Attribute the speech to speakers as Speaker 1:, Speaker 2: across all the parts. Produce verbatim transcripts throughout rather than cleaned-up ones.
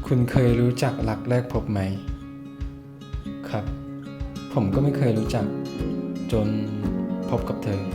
Speaker 1: คุณเคยรู้จักรักแรกพบไหมครับผมก็ไม่เคยรู้จักจนพบกับเธอ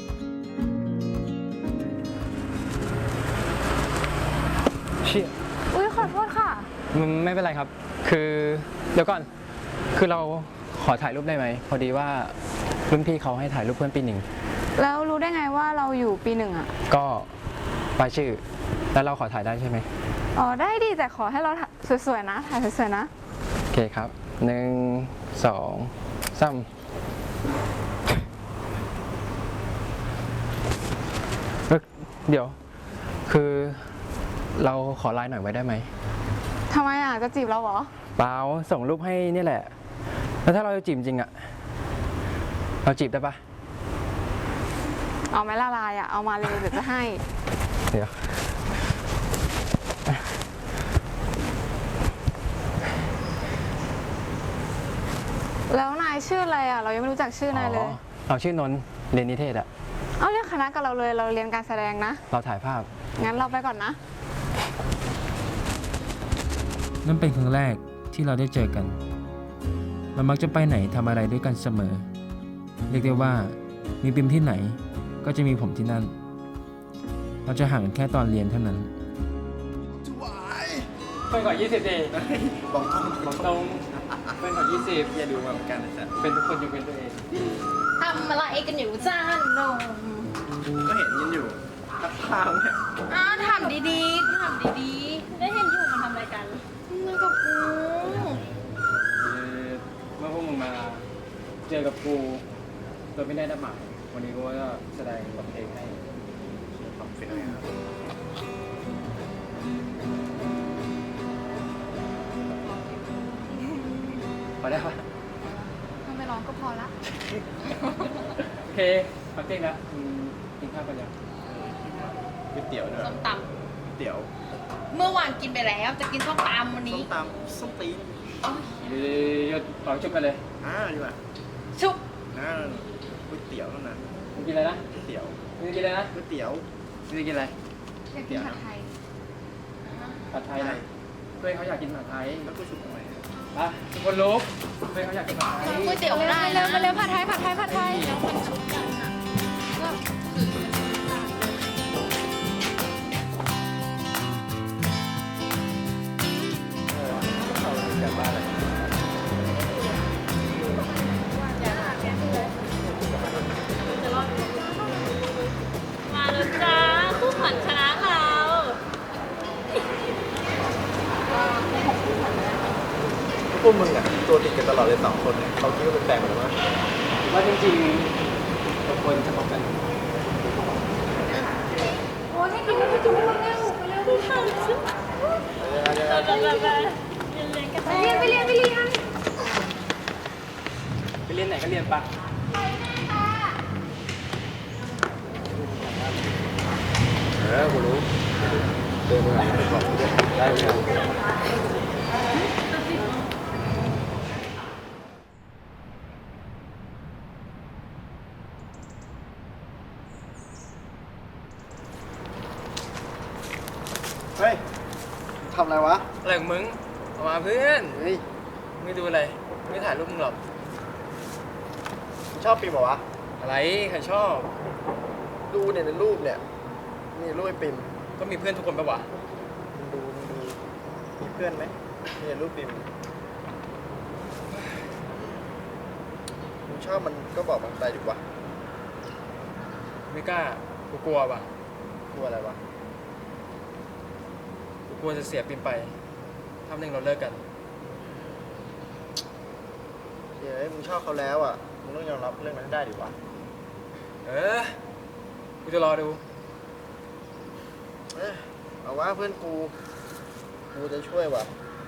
Speaker 2: เชี่ย
Speaker 3: อุ้ยขอโทษค่ะ
Speaker 2: มันไม่เป็นไรครับ คือเดี๋ยวก่อน คือเราขอถ่ายรูปได้ไหม พอดีว่ารุ่นพี่เขาให้ถ่ายรูปเพื่อนปีหนึ่ง
Speaker 3: แล้วรู้ได้ไงว่าเราอยู่ปีหนึ่งอ่ะ
Speaker 2: ก็ป้ายชื่อ แล้วเราขอถ่ายได้ใช่ไหม
Speaker 3: อ๋อได้ดิแต่ขอให้เราถ่ายสวยๆนะ ถ่ายสวยๆนะ
Speaker 2: โอเคครับหนึ่งสองสามเอ้ยเดี๋ยว คือเราขอไลน์หน่อยไว้ได้ไหม
Speaker 3: ทำไมอ่ะ จะจีบเราเหรอ
Speaker 2: เปล่าส่งรูปให้นี่แหละ แล้วถ้าเราจะจีบจริงอะเราจีบได้ปะ
Speaker 3: เอาไหมละลายอ่ะ เอามาเลยเดี๋ยวจะให้
Speaker 2: เดี๋ยว
Speaker 3: แล้วนายชื่ออะไรอ่ะ เรายังไม่รู้จักชื่อนายเลย
Speaker 2: อ๋อเราชื่อนนท์เรียนนิเทศอะ
Speaker 3: เอาเรียกคณะกับเราเลย เราเรียนการแสดงนะ
Speaker 2: เราถ่ายภาพ
Speaker 3: งั้นเราไปก่อนนะ
Speaker 1: นั่นเป็นครั้งแรกที่เราได้เจอกันเรามักจะไปไหนทำอะไรด้วยกันเสมอเรียกได้ว่ามีปิมที่ไหนก็จะมีผมที่นั่น เราจะห่างกันแค่ตอนเรียนเท่านั้น
Speaker 2: เพื่อนก่อนยี่สิบดี
Speaker 4: บอกตรง
Speaker 2: บอกตรงเพื่อนก่อนยี่สิบ
Speaker 4: อย่าดูมาเหมือนกันนะจ๊ะ
Speaker 2: เป็นทุกคนยกเว้นตัวเอง
Speaker 5: ทำอะไรกันอยู่จ้าหนม
Speaker 4: ก็เห็นกันอยู่ทักทางเนี่ย
Speaker 5: อ้าวทำดีๆทำดีๆได้เห็นอยู่มันทำอะไรกันมันกับกู
Speaker 2: เมื่อพวกมึงมาเจอกับกูโดยไม่ได้นัดหมายวันนี้กูก็แสดงบทเพลงให้
Speaker 4: ทำเป็นอะไรครับ
Speaker 2: พอได้ปะ
Speaker 3: ถ้าไม่ร้องก็พอละ
Speaker 2: โอเคพักเที่ยงแล้วอืมกินข้าวกันยัง
Speaker 4: ก๋วยเตี๋ยวด้วย
Speaker 5: ส้มต
Speaker 4: ก๋วยเตี๋ยว
Speaker 5: ำเมื่อวานกินไปแล้วจะกินส้มตำวัน
Speaker 4: ส้
Speaker 5: นี้
Speaker 4: มตำส้มตีน
Speaker 2: เดี๋ยวต่อจุบกันเลย
Speaker 4: อ่าดีกว่า
Speaker 5: ชุบ
Speaker 4: อ่าก๋วยเตี๋ยวเท่านั้น
Speaker 2: มึงกินอะไรนะ
Speaker 4: ก๋วยเตี๋ยว
Speaker 2: มึงกินอะไรนะ
Speaker 4: ก๋วยเตี๋ยว
Speaker 2: มึงกินอะไร
Speaker 3: อยากกินผัดไทย
Speaker 2: ผัดไทยนะเพื่อนเขาอยากกินผัดไทย
Speaker 4: แล้วก็ชุบทำไม
Speaker 2: ไปทุกคนลุกเพื่อนเขาอยากกินผัดไทย
Speaker 5: ก๋วยเตี๋ยวไม่ได้
Speaker 3: เร็
Speaker 5: นะ
Speaker 3: วมาเร็วผัดไทยผัดไทยผัดไทย
Speaker 4: กลับบ้านเลย
Speaker 5: มาแล้วจ้าคู่ขวัญชนะเรา
Speaker 4: พวกมึงอ่ะตัวติดกันตลอดเลยสองคนเนี่ยเขาคิดว่าเป็นแฟนกันหรือเปล่า
Speaker 2: ว่าจริงๆทุกคนจะบอกกัน
Speaker 5: โอ้ยให้กินให้กินให้เร็วเร็วเร็วไปไปไปเรียนไปเรียนไปเรียน
Speaker 2: ไปเรียนไหนก็เรียนปะ
Speaker 4: เออกูรู้เดินมาไปบอกกูด้วยได้ไหมเฮ้ยทำอะไรวะ
Speaker 2: อะไรของมึงเอามาเพื่อน
Speaker 4: เฮ้ย
Speaker 2: ไม่ดูอะไร ไม่ถ่ายรูปมึงหรอก
Speaker 4: มึงชอบปิมเหรอวะ
Speaker 2: อะไร ใครชอบ
Speaker 4: ดูเนี่ยในรูปเนี่ยมีรูปไอ้ปิม
Speaker 2: ก็มีเพื่อนทุกคนปะวะ
Speaker 4: มึงดูมึงดูมีเพื่อนไหมมีแต่รูปปิมมึงชอบมันก็บอกมันไปดีกว่า
Speaker 2: ไม่กล้า กูกลัวว่ะ
Speaker 4: กลัวอะไรวะ
Speaker 2: กูกลัวจะเสียปิมไปถ้าหนึ่งเราเลิกกัน
Speaker 4: เดี๋ยวมึงชอบเขาแล้วอ่ะมึงต้องยอมรับเรื่องนั้นให้ได้ดีวะ
Speaker 2: เออ กูจะรอดู
Speaker 4: เอ้ยเอาว่าเพื่อนกูกูจะช่วยว่ะ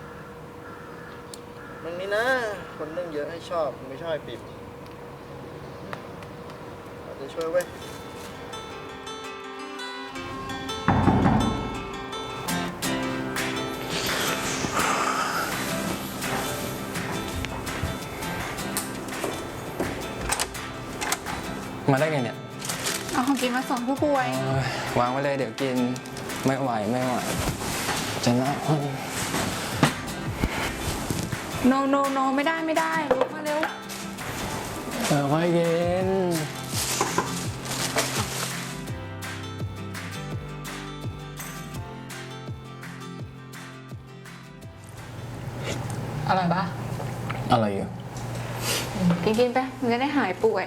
Speaker 4: มึงนี่นะคนเรื่องเยอะให้ชอบมึงไม่ชอบไอ้ปิมเราจะช่วยเว้ย
Speaker 2: มาได้ไงเนี่ย
Speaker 3: เอาของกินมาส่งผู้ป่วย
Speaker 2: เอ้ยวางไว้เลยเดี๋ยวกิน ไม่ไหวไม่ไหว จะน่า
Speaker 3: โนโนโนไม่ได้ไม่ได้ลุกมาเร็ว
Speaker 2: เออค่อยเย็น
Speaker 3: อร่อยปะ
Speaker 2: อะไรอยู่
Speaker 3: กินกินไปมันจะได้หายป่วย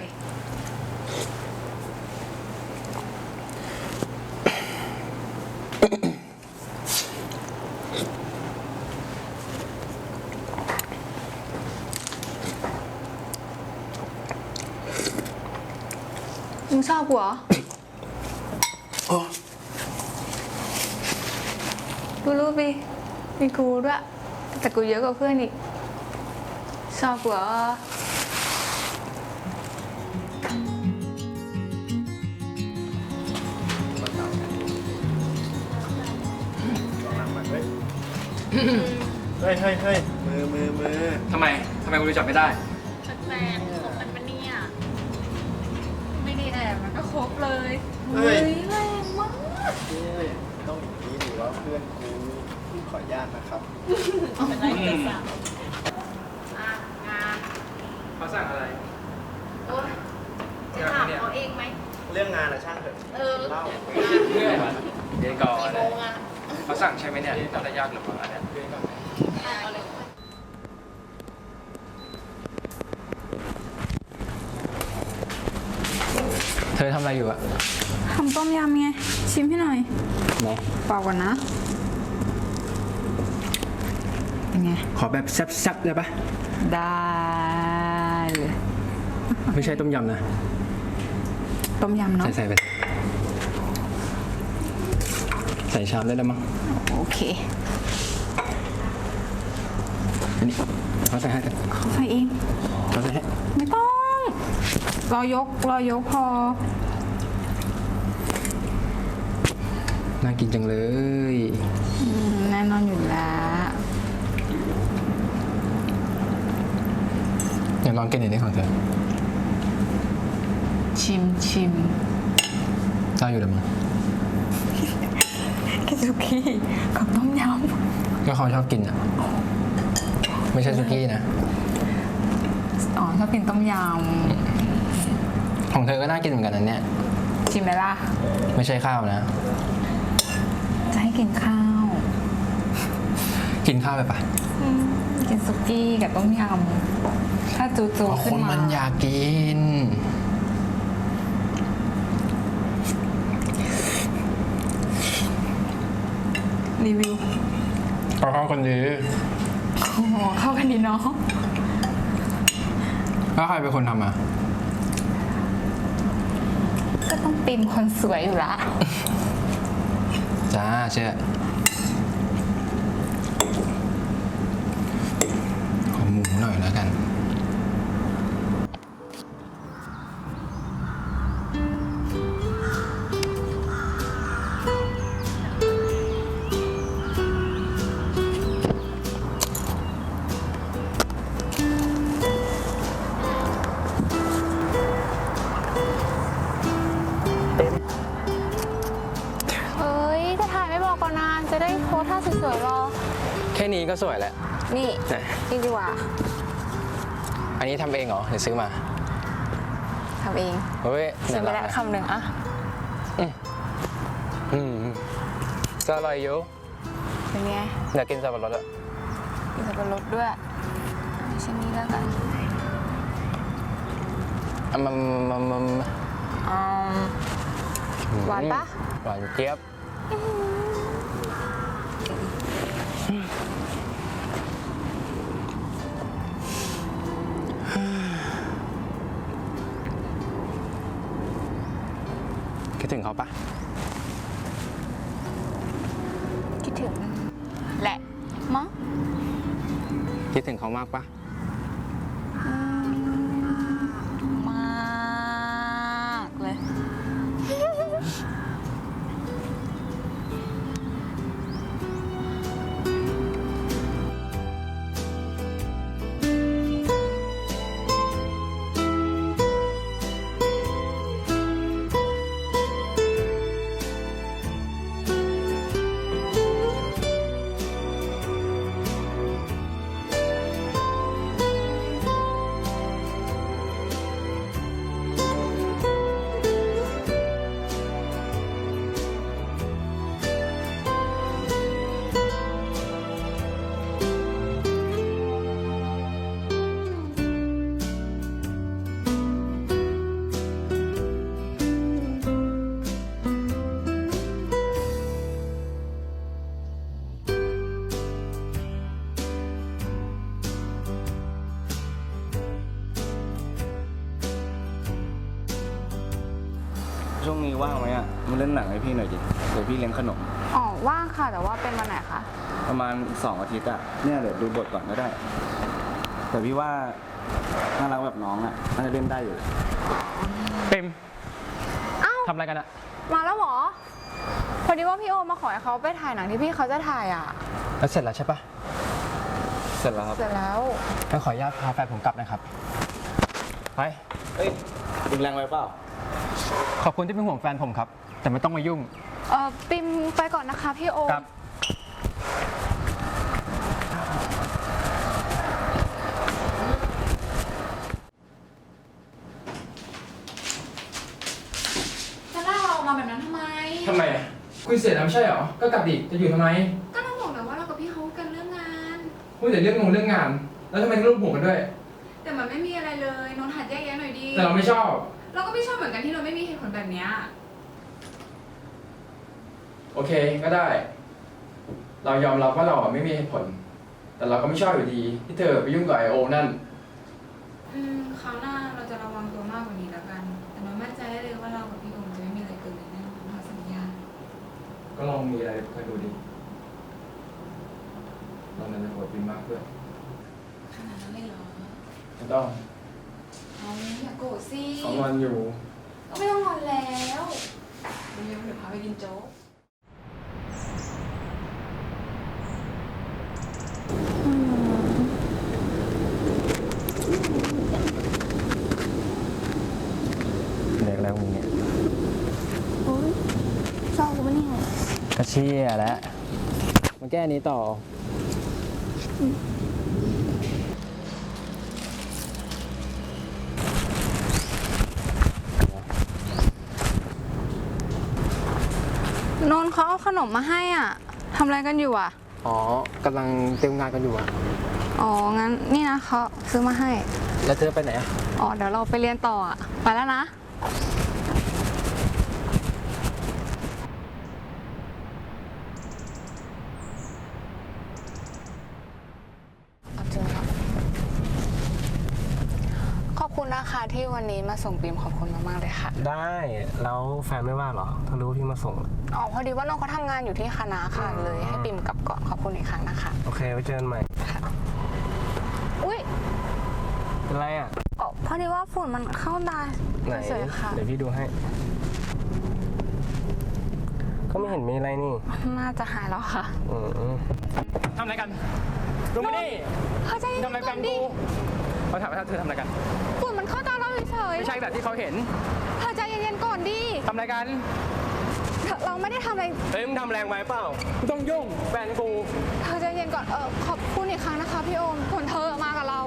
Speaker 3: มึงชอบกูเหรอกูรู้ปีมีกูด้วย แต่กูเยอะกว่าเพื่อนอีก ชอบกูเหรอ
Speaker 4: เฮ้ยเฮ้ยเฮ้ยมือมือมือ
Speaker 2: ทำไม ทำไมกูรู้จักไม่ได้
Speaker 5: แฟนๆของมันมันเนี่ย ไม่ได้แอบมันก็ครบเลย
Speaker 4: เฮ้ย
Speaker 3: แรงมาก
Speaker 4: นี่ต้องอย่างนี้หรือว่าเพื่อนกูขออนุญาตนะครับ
Speaker 5: เป็นไรเป็นสาวอ่ะงาน
Speaker 2: เขาสั่งอะไร
Speaker 5: โอ๊ยจะถามเขาเองไหม
Speaker 4: เรื่องงานอะช่างเถอะ
Speaker 5: เออ
Speaker 4: เล่า
Speaker 2: เรื่อยมาเดี๋ยวก่อน
Speaker 5: กี่โมงอ่ะ
Speaker 2: เขาสั่งใช่ไหมเนี่ยน่าจะยากหรือเปล่าอันเนี้ย
Speaker 5: เอาเลย
Speaker 2: เธอทำอะไรอยู่อะ
Speaker 3: ทำต้มยำไง ชิมให้หน่อย
Speaker 2: ไหน
Speaker 3: เปล่าก่อนนะ เป็นไง
Speaker 2: ขอแบบแซ่บๆได้ปะ
Speaker 3: ได้เลย
Speaker 2: ไม่ใช่ต้มยำนะ
Speaker 3: ต้มยำเนาะ
Speaker 2: ใส่ใส่ไป ใส่ชามได้แล้วมั้ง
Speaker 3: โอเค
Speaker 2: อันนี้เขาใส่ให้เถอะ
Speaker 3: เขาใส่เอง
Speaker 2: เขาใส่ให้
Speaker 3: ไม่ต้อง รอยก รอยกพอ
Speaker 2: น่ากินจังเลย
Speaker 3: อืมแน่นอนอยู่แล้ว
Speaker 2: เดี๋ยวลองกินหน่อยดิของเธอ
Speaker 3: ชิมชิม
Speaker 2: ได้อยู่แล้วมั้ง
Speaker 3: กิซุกี้กับต้มย
Speaker 2: ก็เขาชอบกินอ่ะ ไม่ใช่ซุกี้นะ
Speaker 3: ำ อ๋อชอบกินต้มย
Speaker 2: ของเธอก็น่ากินเหมือนกันนะเนี่ย
Speaker 3: ำ ชิมไหมล่ะ
Speaker 2: ไม่ใช่ข้าวนะ
Speaker 3: จะให้กินข้าว
Speaker 2: กินข้าวไปปะ
Speaker 3: อืมกินซุกี้กับต้มยำ ถ้าจูจู
Speaker 2: อ๋อ
Speaker 3: ขึ้
Speaker 2: คน น
Speaker 3: มา
Speaker 2: มันอยากกิน
Speaker 3: รีวิว
Speaker 2: ก็เข้ากันดี
Speaker 3: โอ้โหเข้ากันดีเนาะ
Speaker 2: แล้วใครเป็นคนทำอ่ะ
Speaker 3: ก็ต้องปิมคนสวยอยู่ละ
Speaker 2: จ้าเชื่อขอหมูหน่อยแล้วกัน
Speaker 3: เฮ้ย จะถ่ายไม่บอกก่อนนานจะได้โพสท่าสวยๆรอ
Speaker 2: แค่นี้ก็สวยแล้ว
Speaker 3: นี่
Speaker 2: ไหน
Speaker 3: นี่ดีกว่า
Speaker 2: อันนี้ทำเองเหรอหรือซื้อมา
Speaker 3: ทำเอง
Speaker 2: เฮ้ย
Speaker 3: ชิมไป
Speaker 2: น่า
Speaker 3: แล้ว
Speaker 2: รักนะ
Speaker 3: คำหนึ่งอะ
Speaker 2: อืมก็อร่อยอยู่
Speaker 3: เป็นไง
Speaker 2: อยากกินสับปะรดอ่ะ
Speaker 3: มีสับปะรดด้วยชิ้นนี้แล้วกัน
Speaker 2: อ่ะมันมันมัน
Speaker 3: อืม หวานปะ
Speaker 2: หวานเจี๊ยบ คิดถึงเขาปะ
Speaker 3: คิดถึง แหละมั้ง
Speaker 2: คิดถึงเขามากปะ
Speaker 3: อืมมากเลย
Speaker 5: เ
Speaker 4: ช่วงนี้ว่างไหมอ่ะมาเล่นหนังให้พี่หน่อยดิเดี๋ยวพี่เลี้ยงขนม
Speaker 3: อ๋อ ว่างค่ะ แต่ว่าเป็นวันไหนคะ
Speaker 4: ประมาณอีกสองอาทิตย์อ่ะเนี่ยเดี๋ยวดูบทก่อนก็ได้ แต่พี่ว่าน่ารักแบบน้องอ่ะน่าจะเล่นได้อยู่
Speaker 2: ปิม
Speaker 3: เอ้า
Speaker 2: ทำอะไรกันอะ
Speaker 3: มาแล้วเหรอ พอดีว่าพี่โอมาขอให้เขาไปถ่ายหนังที่พี่เขาจะถ่ายอ่ะ
Speaker 2: แล้วเสร็จแล้วใช่ปะ
Speaker 4: เสร็จแล้วครับ
Speaker 3: เสร็จแล้ว
Speaker 2: งั้นขออนุญาตพาแฟนผมกลับนะครับ ไป
Speaker 4: เฮ้ยดึงแรงไว้เปล่า
Speaker 2: ขอบคุณที่เป็นห่วงแฟนผมครับ แต่ไม่ต้องมายุ่ง
Speaker 3: เออปิมไปก่อนนะคะพี่โอ
Speaker 2: ครับ
Speaker 3: จะลากเราออกมาแบบนั้นทำไม
Speaker 1: ทำไมคุยเสร็จแล้วไม่ใช่เหรอ ก็กลับดิจะอยู่ทำไม
Speaker 3: ก็ต้องบอกแล้วว่าเรากับพี่เขากันเรื่องงาน
Speaker 1: คุยแต่เรื่องงงเรื่องงาน แล้วทำไมต้องรูปหัวกันด้วย
Speaker 3: แต่มันไม่มีอะไรเลยนนท์หัดแยกแยะหน่อยดี
Speaker 1: แต่เราไม่ชอบ
Speaker 3: เราก็ไม่ชอบเหมือนกันที่เราไม่มีเหตุผลแบบเนี้ย
Speaker 1: โอเคก็ได้ เรายอมรับว่าเราอะไม่มีเหตุผล แต่เราก็ไม่ชอบอยู่ดี ที่เธอไปยุ่งกับไอโอนั่น
Speaker 3: อืมคราวหน้าเราจะระวังตัวมากกว่านี้แล้วกัน แต่นนท์มั่นใจได้เลยว่าเรากับพี่โอมจะไม่มีอะไรเกินเลยแน่นอนเราสัญญา
Speaker 1: ก็ลองมีอะไรคอยดูดิตอนนั้นจะโหดบินมากเพื่อน
Speaker 3: ขนาดนั้นเลยเหรอ
Speaker 1: ไม่ต้อง
Speaker 3: เอาอย่าโกรธสิ
Speaker 1: สองวันอยู่
Speaker 3: ก็ไม่ต้องงอนแล้วเดี๋ยวเดี๋ยวพาไปกินโจ๊ก
Speaker 2: เด็กแล้วมึงเนี่ย
Speaker 5: โอ้ยเศร้าปะเนี่ย
Speaker 2: ก็เชี่ยแล้วมาแก้นี้ต่อ
Speaker 3: นนท์เขาเอาขนมมาให้อ่ะทำอะไรกันอยู่อ่ะ
Speaker 2: อ๋อกำลังเตรียมงานกันอยู่อะ
Speaker 3: อ๋อ งั้นนี่นะเขาซื้อมาให้
Speaker 2: แล้วเธอไปไหนอะ
Speaker 3: อ๋อ เดี๋ยวเราไปเรียนต่ออ่ะ ไปแล้วนะ เอาเจอแล้วขอบคุณนะคะที่วันนี้มาส่งปิมขอบคุณมากๆเลยค่ะ
Speaker 6: ได้แล้วแฟนไม่ว่าเหรอถ้ารู้ว่าพี่มาส่ง
Speaker 3: อ๋อ พอดีว่าน้องเขาทำงานอยู่ที่คณะค่ะ เลยให้ปิมกลับก่อนขอบคุณอีกครั้งนะคะ
Speaker 6: โอเคไว้เจอกันใหม่
Speaker 3: อุ้ย
Speaker 6: เป็นไรอ่ะ
Speaker 3: อ๋อพอดีว่าฝุ่นมันเข้าตา
Speaker 6: ไหน
Speaker 3: เฉยๆค่ะ
Speaker 6: เดี๋ยวพี่ดูให้ ก็ไม่เห็นมีอะไรนี่
Speaker 3: น่าจะหายแล้วค่ะ
Speaker 6: อืม
Speaker 2: ทำอะไรกันลงมาดิ
Speaker 3: เขาใจเย็น
Speaker 2: ทำอะไร
Speaker 3: ก่
Speaker 2: กั
Speaker 3: อน นดิ
Speaker 2: กูเขาถามว่าเธอทำอะไรกัน
Speaker 3: ฝุ่นมันเข้าตาเราเฉย
Speaker 2: ไม่ใช่แบบที่เขาเห็น
Speaker 3: ๆเธอใจเย็นๆก่อนดิ
Speaker 2: ทำอะไรกัน
Speaker 3: เธอเราไม่ได้ทำอะไร
Speaker 6: เฮ้ยมึงทำแรงไปเปล่า
Speaker 2: ไม่ต้องยุ่งแฟนกู
Speaker 3: เธอใจเย็นก่อน เออขอบคุณอีกครั้งนะคะพี่โอมส่วนเธอมากับเรา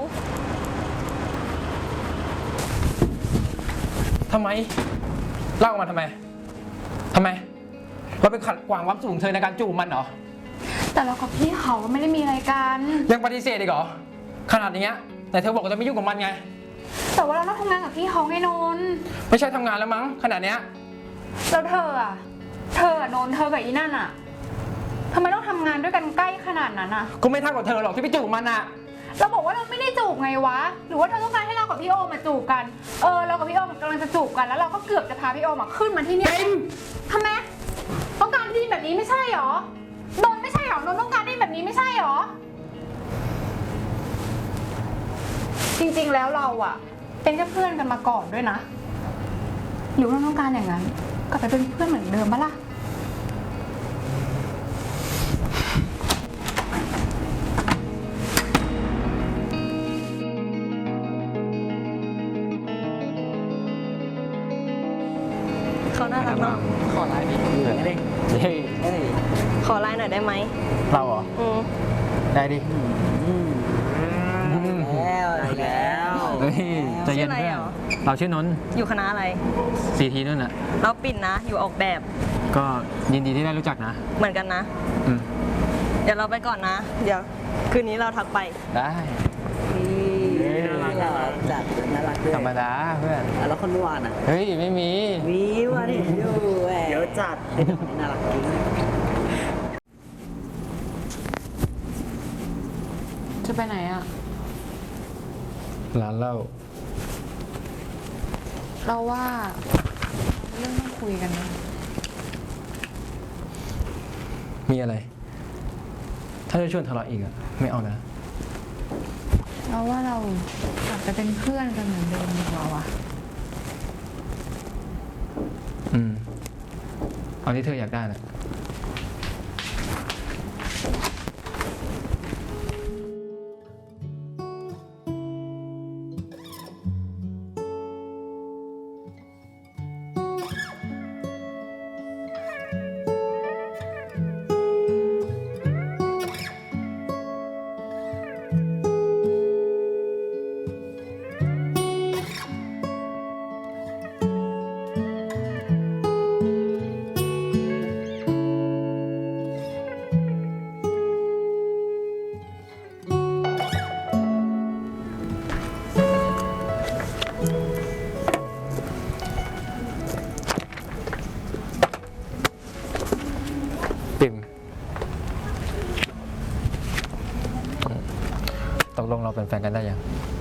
Speaker 1: ทำไมเล่าออกมาทำไม ทำไม เราไปขัดขวางความสูงเธอในการจูบมันเหรอ
Speaker 3: แต่เรากับพี่เขาก็ไม่ได้มีอะไรกัน
Speaker 1: ยังปฏิเสธอีกเหรอ ขนาดนี้แต่เธอบอกว่าจะไม่ยุ่งกับมันไง
Speaker 3: แต่ว่าเราต้องทำงานกับพี่เขาไงนนท์
Speaker 1: ไม่ใช่ทำงานแล้วมั้งขนาดเนี้ย
Speaker 3: แล้วเธออะเธออะนนท์เธอกับอีนั่นอะทำไมต้องทำงานด้วยกันใกล้ขนาดนั้นอะ
Speaker 1: กูไม่เท่ากับเธอหรอกที่ไปจูบมันอะ
Speaker 3: เราบอกว่าเราไม่ได้จูบไงวะ หรือว่าเธอต้องการให้เรากับพี่โอมมาจูบกัน เออเรากับพี่โอมกำลังจะจูบกันแล้วเราก็เกือบจะพาพี่โอมมาขึ้นมาที่เนี่ยทำไมต้องการที่แบบนี้ไม่ใช่หรอนนท์ไม่ใช่หรอนนท์ต้องการที่แบบนี้ไม่ใช่หรอ จริงๆแล้วเราอะเป็นแค่เพื่อนกันมาก่อนด้วยนะ หรือว่าเราต้องการอย่างนั้นกลับไปเป็นเพื่อนเหมือนเดิมปะล่ะ
Speaker 5: เขาน่ารักเนาะ
Speaker 2: ขอไลน์ดิ
Speaker 6: เหนื่อยดิ
Speaker 2: เฮ้ย
Speaker 5: ขอไลน์หน่อยได้ไหม
Speaker 2: เราเหรอ
Speaker 5: อืม
Speaker 2: ได้ดิ
Speaker 7: แล้วแล้ว
Speaker 2: เฮ้ยใจเย็น
Speaker 5: ชื่ออะไร
Speaker 2: เพื่อน
Speaker 5: เหรอ
Speaker 2: เราชื่อนนท์
Speaker 5: อยู่คณะอะไร
Speaker 2: ซีทีนั่นน่ะ
Speaker 5: เราปิ่นนะ อยู่ออกแบบ
Speaker 2: ก็ยินดีที่ได้รู้จักนะ
Speaker 5: เหมือนกันนะ
Speaker 2: อืม
Speaker 5: เดี๋ยวเราไปก่อนนะ เดี๋ยว คืนนี้เราทักไป
Speaker 2: ได้
Speaker 7: น่ารักน่ารักจัดน่ารักด้วย
Speaker 2: ธรรมดาเพื่อน
Speaker 7: แล้วคนเมื่อวานอ่ะ
Speaker 2: เฮ้ย ไม่มี
Speaker 7: วิวอ่ะนี่อยู่แหวเดี๋ยวจัดเป็นคนน่ารักจริง
Speaker 3: จะไปไหนอะ
Speaker 2: ร้านเหล้า
Speaker 3: เราว่าเรื่องต้องคุยกันนะ
Speaker 2: มีอะไร ถ้าจะชวนทะเลาะอีกอะไม่เอานะ
Speaker 3: เราว่าเรากลับไปเป็นเพื่อนกันเหมือนเดิมดีกว่าวะ
Speaker 2: อืม เอาที่เธออยากได้นะ ปิ่มตกลงเราเป็นแฟนกันได้ยัง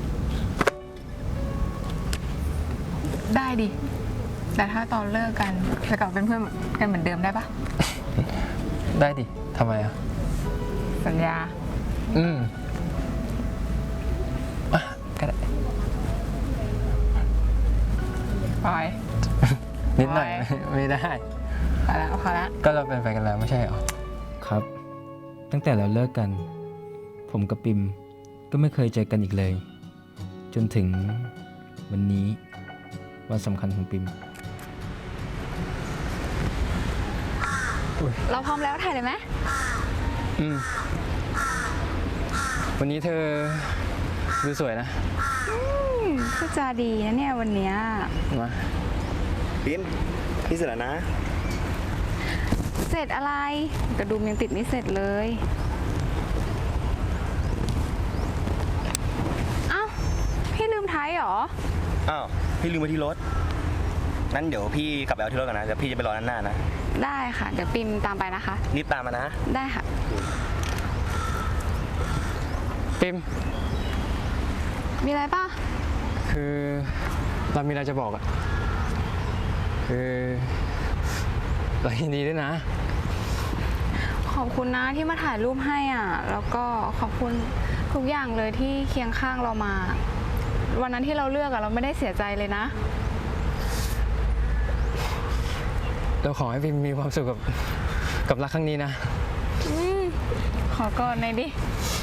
Speaker 3: ได้ดิ แต่ถ้าตอนเลิกกันจะกลับเป็นเพื่อนกันเหมือนเดิมได้ปะ
Speaker 2: ได้ดิ ทำไมอ่ะ
Speaker 3: สัญญา
Speaker 2: อืมอ่ะก็ได้
Speaker 3: ปล่อย
Speaker 2: นิดหน่อย ไม่ได้
Speaker 3: พอแล้วพอแล้ว
Speaker 2: ก็เราเป็นแฟนกันแล้วไม่ใช่เหรอ
Speaker 1: ครับ ตั้งแต่เราเลิกกัน ผมกับปิมก็ไม่เคยเจอกันอีกเลย จนถึงวันนี้วันสำคัญของปิม
Speaker 3: เราพร้อมแล้วถ่ายเลยไหม
Speaker 2: อืม วันนี้เธอดูสวยนะ
Speaker 3: พูดจาดีนะเนี่ยวันเนี้ย
Speaker 2: มา
Speaker 4: ปิมพี่เสร็จแล้วนะ
Speaker 3: เสร็จอะไรกระดุมยังติดไม่เสร็จเลย เอ้า พี่ลืมไทยเหรอ
Speaker 4: อ้าว พี่ลืมไว้ที่รถ งั้นเดี๋ยวพี่กลับไปเอาที่รถก่อนนะ เดี๋ยวพี่จะไปรอด้านหน้านะ
Speaker 3: ได้ค่ะ เดี๋ยวปิมตามไปนะคะ
Speaker 4: รีบตามมานะ
Speaker 3: ได้ค่ะ
Speaker 2: ปิม
Speaker 3: มีอะไรป่ะ
Speaker 2: คือเรามีอะไรจะบอกอะคือเรายินดีด้วยนะ
Speaker 3: ขอบคุณนะที่มาถ่ายรูปให้อ่ะ แล้วก็ขอบคุณทุกอย่างเลยที่เคียงข้างเรามา วันนั้นที่เราเลือกอะเราไม่ได้เสียใจเลยนะ
Speaker 2: เราขอให้พิมมีความสุขกับกับรักครั้งนี้นะ
Speaker 3: อืมขอกอดหน่อยดิ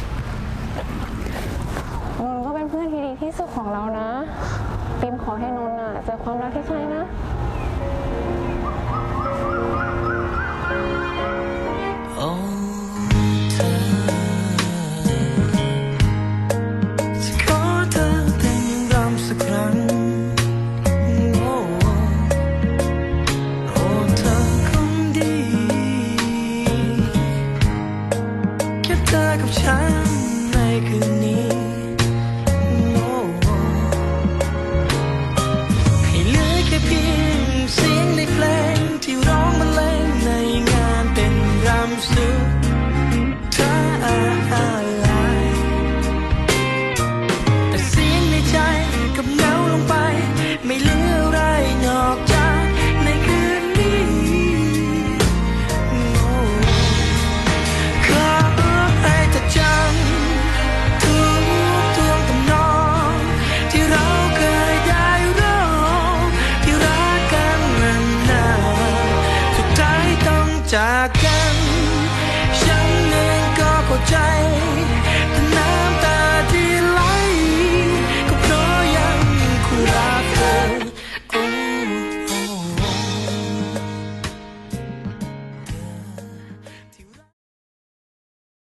Speaker 3: นนท์ก็เป็นเพื่อนที่ดีที่สุดของเรานะปิมขอให้นนท์อ่ะเจอความรักที่ใช่นะ
Speaker 8: โอ้เธอจะขอเธอแต่งยังรำสักครั้งโอ้โอ้เธอคนดีแค่เธอกับฉันในคืนนี้